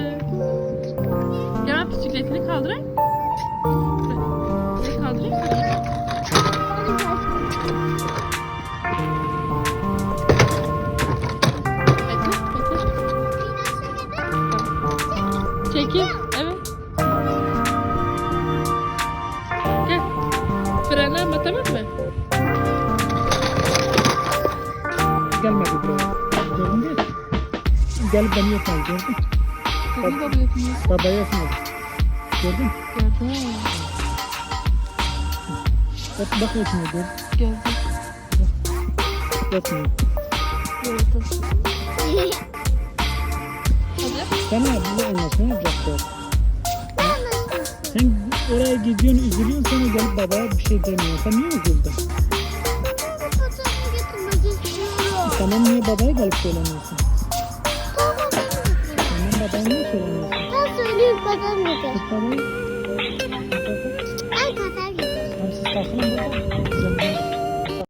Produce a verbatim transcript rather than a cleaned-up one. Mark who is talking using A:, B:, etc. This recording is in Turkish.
A: Gel bisikletini kaldırayım. Ne kaldırayım? Bekle, bekle. Çekil. Evet. Gel. Frene ama tamam mı?
B: Gelmedi buraya. Gördün mü? Gelip beni yapmadı gördün.
A: Tabii baba yapmıyor.
B: Babaya yapmadı. Gördün mü?
A: Gördüm.
B: Bak bak yapmıyor gördün.
A: Gördüm.
B: Yapmıyor.
A: Gördüm. Hadi.
B: Sen abi bu anlasın yapacak. Sen oraya gidiyorsun üzülüyorsun sonra gelip babaya bir şey demiyorsun. Sen niye üzüldün? Tamam niye babaya gelip söylemiyorsun? Tamam babaya niye söylemiyorsun?
C: Ben söyleyeyim kadar getir.
B: Tut babayı.
C: Ben kadar getir.
B: Tamam siz kalkın burada. Güzel.